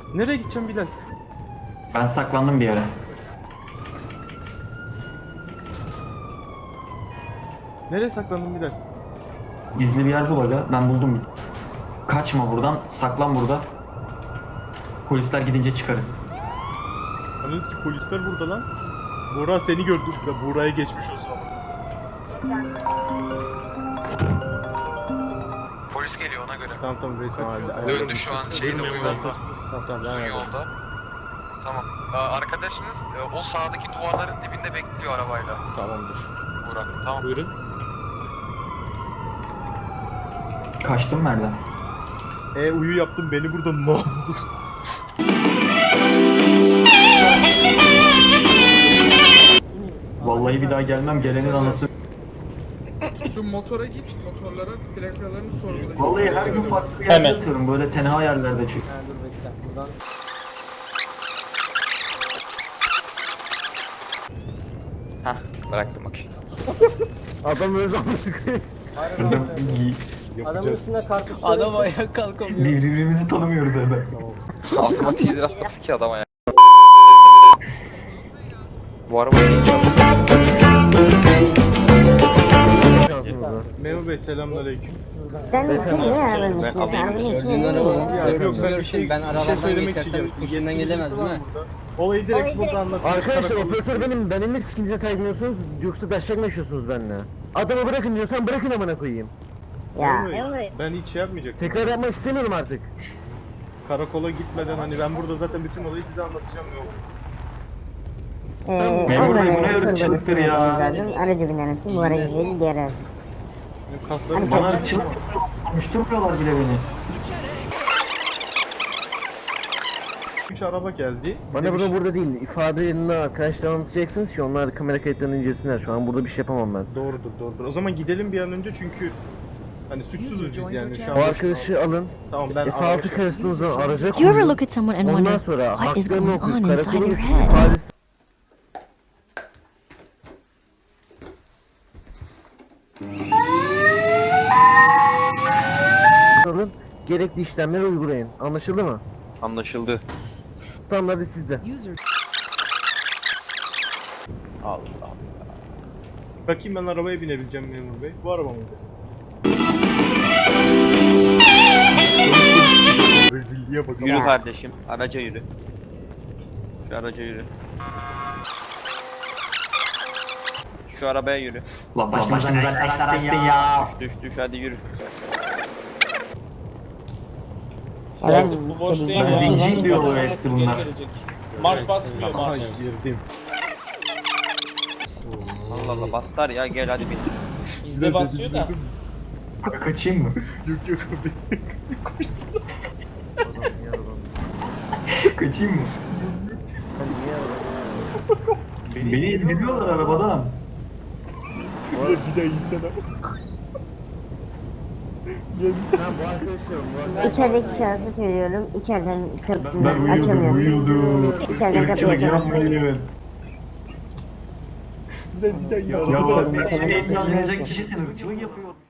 Nereye gideceğim Bilal? Ben saklandım bir yere. Nereye saklandın Bilal? Gizli bir yer bul aga. Ben buldum. Kaçma buradan. Saklan burada. Polisler gidince çıkarız. Anladınız ki polisler burada lan. Buğra seni gördü. Buğra'ya geçmiş olsun ama. Polis geliyor ona göre. Tamam resmen halde. Döndü şu an şeyde, o yolda. Tamam Uzun ben yolda. Tamam. Arkadaşınız o sağdaki duvarların dibinde bekliyor arabayla. Tamamdır. Burak. Tamam. Buyurun. Kaçtım nereden? Uyu yaptım beni burada ne oldu? Vallahi bir daha gelmem. Gelenin anası. Şu motora git, motorlara plakalarını sorgula. Vallahi her gün farklı bir yerde yatıyorum. Böyle tenha yerlerde çünkü. Dur bekle. Buradan Hah, bıraktım bak. adam öyle adamın üstüne kartuşları. Adam ayağa kalkamıyor. Birbirimizi tanımıyoruz hemen. Altıma teaser atmadım ki adama ya. Bu araba hiç Memur Bey selamünaleyküm. Sen niye arabanın içindesin? Arabanın içinde değil Ya yok ben bir şey arabadan söylemek geçersem isteyeceğim. üstünden gelemez değil mi? Olayı direkt burada anlatayım. Arkadaşlar operatör benim. Ben mi sikinize saygılmıyorsunuz yoksa taşak mı yaşıyorsunuz benimle? Adamı bırakın diyorsan bırakın amına koyayım. Ya. Ben hiç şey yapmayacaktım. Tekrar yapmak istemiyorum artık. Karakola gitmeden hani ben burada zaten bütün olayı size anlatacağım yok. Memur Bey, bu ne Ondan öyle çılıktır ya? zaten aracı biner misin? Bu aracı değil diğer aracı. Benim kaslarım Bana çılık konuşturmuyorlar bile beni. 3 araba geldi. Bana bunu burada değil, ifadelerini arkadaşlar anlatacaksınız ki onlar kamera kayıtlarını incelesinler. Şu an burada bir şey yapamam ben. Doğrudur. O zaman gidelim bir an önce çünkü hani suçsuzuz biz yani şu an. O arkadaşı alın, Tamam ben F6 karşısınızdan araca Do you ever koyun. look at someone and Ondan wonder sonra what is haklarını going on okuyup inside karakolun their head? ifadesi alın, gerekli işlemleri uygulayın. Anlaşıldı mı? Anlaşıldı. Tamam hadi sizde. Bakayım ben arabaya binebileceğim memur bey. Bu araba mıydı? Rezilliğe bak. Yürü kardeşim, araca yürü. Şu araca yürü. Şu arabaya yürü. Lan başımıza taşlar açtın ya. Düş hadi yürü. Bu boş Ben zincir diyorlar hepsi bunlar. Marş basmıyor Aha marş. girdim. Allah Allah bastar ya, gel hadi bin. Bizde basıyor da. Kaçayım mı? Yok abi. Koşsana. Kaçayım mı? Beni indiriyorlar arabadan. Bir daha insene. Tamam bu arkadaşlarım. İçerideki şahsı söylüyorum. İçeriden Ben kapıyı açamıyorsun. uyudum. İçeriden kapıyı Irkçılık açamazsın. yapmayın. Bir daha Ya Kimse beni içeriden ekranlayacak kapıyı açamıyor. kişi sen ırkçılık yapıyor.